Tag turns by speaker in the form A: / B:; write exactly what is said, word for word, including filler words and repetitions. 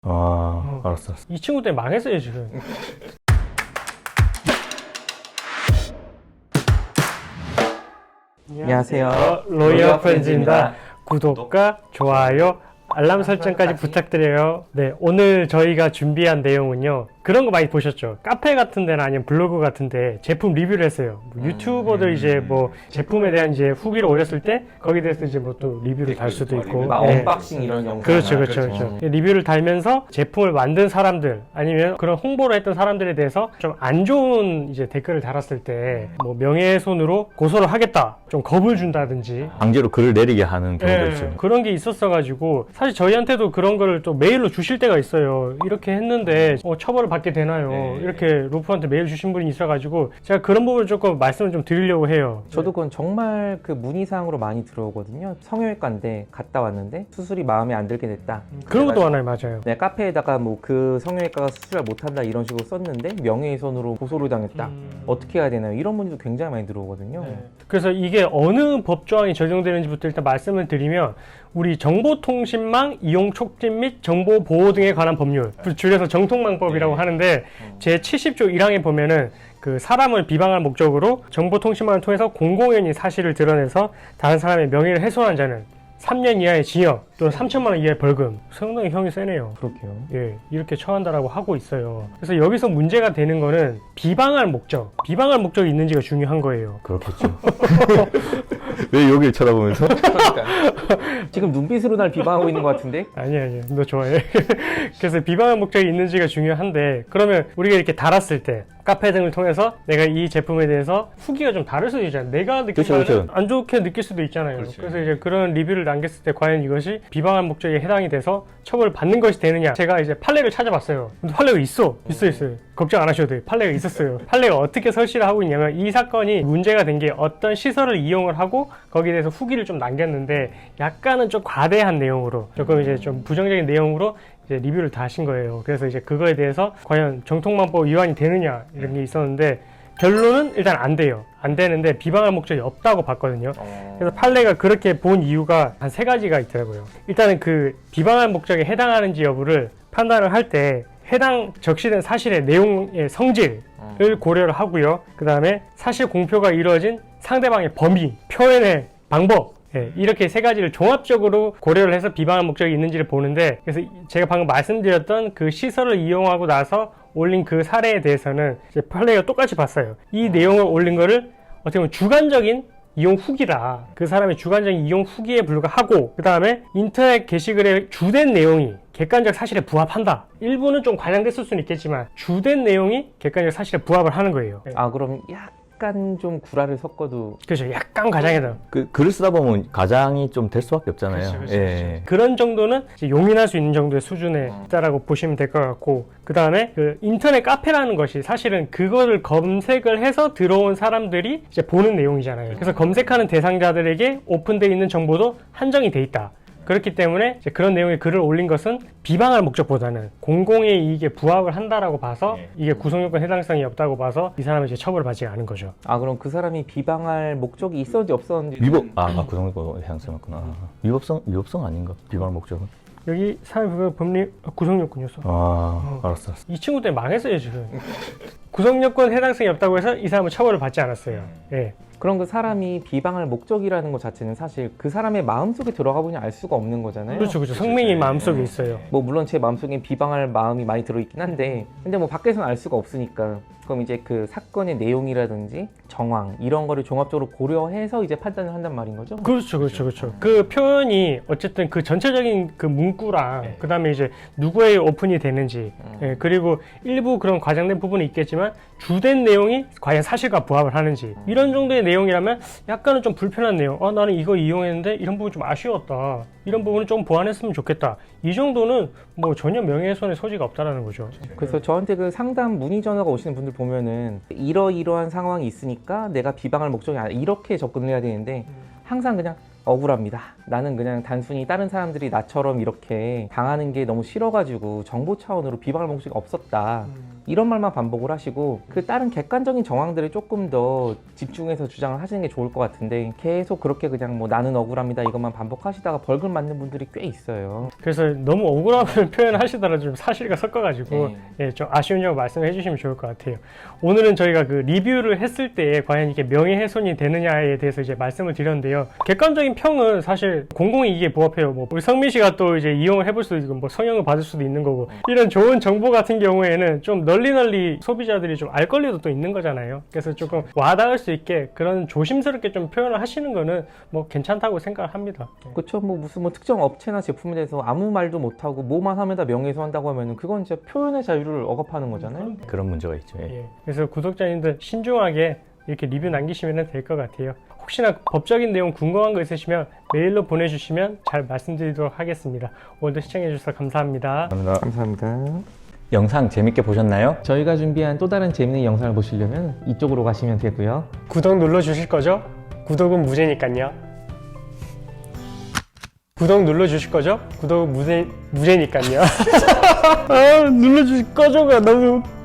A: 아,
B: 어.
A: 알았어, 알았어.
B: 이 친구 때문에 망했어요 지금.
C: 안녕하세요.
B: 어, 로이어 프렌즈입니다. 구독과 좋아요, 알람 설정까지 부탁드려요. 네, 오늘 저희가 준비한 내용은요, 그런 거 많이 보셨죠? 카페 같은 데나 아니면 블로그 같은 데 제품 리뷰를 했어요. 뭐 유튜버들 이제 뭐 제품에 대한 이제 후기를 올렸을 때 거기에 대해서 이제 뭐 또 리뷰를 달 수도 있고,
C: 막
B: 네.
C: 언박싱 이런 영상.
B: 그렇죠, 그렇죠, 그렇죠. 리뷰를 달면서 제품을 만든 사람들 아니면 그런 홍보를 했던 사람들에 대해서 좀 안 좋은 이제 댓글을 달았을 때 뭐 명예훼손으로 고소를 하겠다, 좀 겁을 준다든지
A: 강제로 글을 내리게 하는 경우도
B: 예,
A: 있죠.
B: 그런 게 있었어가지고 사실 저희한테도 그런 거를 또 메일로 주실 때가 있어요. 이렇게 했는데 어, 처벌을 받게 되나요?
C: 네.
B: 이렇게 로프한테 메일 주신 분이 있어가지고 제가 그런 부분을 조금 말씀을 좀 드리려고 해요.
C: 저도 그건 정말 그 문의사항으로 많이 들어오거든요. 성형외과인데 갔다 왔는데 수술이 마음에 안 들게 됐다.
B: 그런 것도
C: 그래가지고
B: 하나요, 맞아요.
C: 내 카페에다가 뭐 그 성형외과가 수술을 못한다 이런 식으로 썼는데 명예훼손으로 고소를 당했다.
B: 음.
C: 어떻게 해야 되나요? 이런 문의도 굉장히 많이 들어오거든요.
B: 네. 그래서 이게 어느 법조항이 적용되는지부터 일단 말씀을 드리면, 우리 정보통신망 이용 촉진 및 정보 보호 등에 관한 법률, 줄여서 정통망법이라고 하는데 제칠십 조 일 항에 보면은 그 사람을 비방할 목적으로 정보통신망을 통해서 공공연히 사실을 드러내서 다른 사람의 명예를 훼손한 자는 삼 년 이하의 징역 또는 삼천만 원 이하의 벌금. 상당히 형이 세네요.
C: 그렇게요.
B: 예, 이렇게 처한다라고 하고 있어요. 그래서 여기서 문제가 되는 거는 비방할 목적, 비방할 목적이 있는지가 중요한 거예요.
A: 그렇겠죠. 왜 여기를 쳐다보면서?
C: 지금 눈빛으로 날 비방하고 있는 것 같은데?
B: 아니 아니, 너 좋아해. 그래서 비방할 목적이 있는지가 중요한데, 그러면 우리가 이렇게 달았을 때 카페 등을 통해서 내가 이 제품에 대해서 후기가 좀 다를 수도 있잖아요. 내가 느낄
A: 그쵸,
B: 때는
A: 그쵸.
B: 안 좋게 느낄 수도 있잖아요.
A: 그렇지.
B: 그래서 이제 그런 리뷰를 남겼을 때 과연 이것이 비방할 목적에 해당이 돼서 처벌을 받는 것이 되느냐. 제가 이제 판례를 찾아봤어요. 근데 판례가 있어. 있어 있어요. 걱정 안 하셔도 돼요. 판례가 있었어요. 판례가 어떻게 설치를 하고 있냐면, 이 사건이 문제가 된 게 어떤 시설을 이용을 하고 거기에 대해서 후기를 좀 남겼는데 약간은 좀 과대한 내용으로, 조금 이제 좀 부정적인 내용으로 이제 리뷰를 다 하신 거예요. 그래서 이제 그거에 대해서 과연 정통망법 위반이 되느냐 이런 게 있었는데, 결론은 일단 안 돼요. 안 되는데 비방할 목적이 없다고 봤거든요. 그래서 판례가 그렇게 본 이유가 한 세 가지가 있더라고요. 일단은 그 비방할 목적에 해당하는지 여부를 판단을 할 때 해당 적시된 사실의 내용의 성질을 고려를 하고요. 그 다음에 사실 공표가 이루어진 상대방의 범위, 표현의 방법, 예, 이렇게 세 가지를 종합적으로 고려를 해서 비방할 목적이 있는지를 보는데, 그래서 제가 방금 말씀드렸던 그 시설을 이용하고 나서 올린 그 사례에 대해서는 이제 판례가 똑같이 봤어요. 이 내용을 올린 거를 어떻게 보면 주관적인 이용 후기라, 그 사람의 주관적인 이용 후기에 불과하고, 그 다음에 인터넷 게시글의 주된 내용이 객관적 사실에 부합한다. 일부는 좀 과장됐을 수는 있겠지만 주된 내용이 객관적 사실에 부합을 하는 거예요.
C: 아, 그럼 약간 좀 구라를 섞어도.
B: 그렇죠. 약간 과장해서.
A: 그 글을 쓰다 보면 가장이 좀 될 수밖에 없잖아요.
B: 그렇죠, 그렇죠,
A: 예.
B: 그런 정도는 이제 용인할 수 있는 정도의 수준에 있다라고 보시면 될 것 같고, 그 다음에 그 인터넷 카페라는 것이 사실은 그거를 검색을 해서 들어온 사람들이 이제 보는 내용이잖아요. 그래서 검색하는 대상자들에게 오픈되어 있는 정보도 한정이 돼 있다. 그렇기 때문에 이제 그런 내용의 글을 올린 것은 비방할 목적보다는 공공의 이익에 부합을 한다라고 봐서 이게 구성요건 해당성이 없다고 봐서 이 사람은 이제 처벌을 받지 않은 거죠.
C: 아, 그럼 그 사람이 비방할 목적이 있었는지 없었는지.
A: 위법, 아, 아 구성요건 해당성 맞구나. 위법성, 위법성 아닌가? 비방할 목적은?
B: 여기 사회부가 법리 구성요건이었어.
A: 아, 알았어, 알았어.
B: 이 친구 때문에 망했어요 지금. 구성요건 해당성이 없다고 해서 이 사람은 처벌을 받지 않았어요. 예.
C: 그럼 그 사람이 비방할 목적이라는 것 자체는 사실 그 사람의 마음속에 들어가 보니 알 수가 없는 거잖아요.
B: 그렇죠, 그렇죠. 성명이 마음속에 있어요.
C: 뭐 물론 제 마음속에 비방할 마음이 많이 들어있긴 한데, 근데 뭐 밖에서는 알 수가 없으니까, 그럼 이제 그 사건의 내용이라든지 정황 이런 거를 종합적으로 고려해서 이제 판단을 한단 말인 거죠?
B: 그렇죠, 그렇죠, 그렇죠. 그 표현이 어쨌든 그 전체적인 그 문구랑 그 다음에 이제 누구의 오픈이 되는지, 예, 그리고 일부 그런 과장된 부분이 있겠지만 주된 내용이 과연 사실과 부합을 하는지, 이런 정도의 내용이라면 약간은 좀 불편한 내용, 아 나는 이거 이용했는데 이런 부분 좀 아쉬웠다, 이런 부분을 좀 보완했으면 좋겠다, 이 정도는 뭐 전혀 명예훼손의 소지가 없다라는 거죠.
C: 그래서 저한테 그 상담 문의 전화가 오시는 분들 보면은 이러이러한 상황이 있으니까 내가 비방할 목적이 아니라 이렇게 접근을 해야 되는데, 항상 그냥 억울합니다. 나는 그냥 단순히 다른 사람들이 나처럼 이렇게 당하는 게 너무 싫어가지고 정보 차원으로 비방할 목적이 없었다. 이런 말만 반복을 하시고 그 다른 객관적인 정황들을 조금 더 집중해서 주장을 하시는 게 좋을 것 같은데 계속 그렇게 그냥 뭐 나는 억울합니다 이것만 반복하시다가 벌금 맞는 분들이 꽤 있어요.
B: 그래서 너무 억울함을 표현하시더라도 좀 사실과 섞어가지고
C: 네.
B: 예, 좀 아쉬운 점 말씀해 주시면 좋을 것 같아요. 오늘은 저희가 그 리뷰를 했을 때 과연 이게 명예훼손이 되느냐에 대해서 이제 말씀을 드렸는데요. 객관적인 평은 사실 공공이 이게 부합해요. 뭐 우리 성민 씨가 또 이제 이용을 해볼 수도 있고 뭐 성형을 받을 수도 있는 거고 이런 좋은 정보 같은 경우에는 좀 널리 널리 소비자들이 좀 알 권리도 또 있는 거잖아요. 그래서 조금 와닿을 수 있게 그런 조심스럽게 좀 표현을 하시는 거는 뭐 괜찮다고 생각을 합니다.
C: 그렇죠. 뭐 무슨 뭐 특정 업체나 제품에 대해서 아무 말도 못하고 뭐만 하면 다 명예훼손한다고 하면은 그건 진짜 표현의 자유를 억압하는 거잖아요.
A: 그런 문제가 있죠. 예.
B: 예. 그래서 구독자님들 신중하게 이렇게 리뷰 남기시면 될 것 같아요. 혹시나 법적인 내용 궁금한 거 있으시면 메일로 보내주시면 잘 말씀드리도록 하겠습니다. 오늘도 시청해주셔서 감사합니다.
A: 감사합니다.
C: 감사합니다.
A: 영상 재밌게 보셨나요?
C: 저희가 준비한 또 다른 재밌는 영상을 보시려면 이쪽으로 가시면 되고요.
B: 구독 눌러주실 거죠? 구독은 무제니까요. 구독 눌러주실 거죠? 구독은 무제, 무제니까요. 아, 눌러주실 거죠가 너무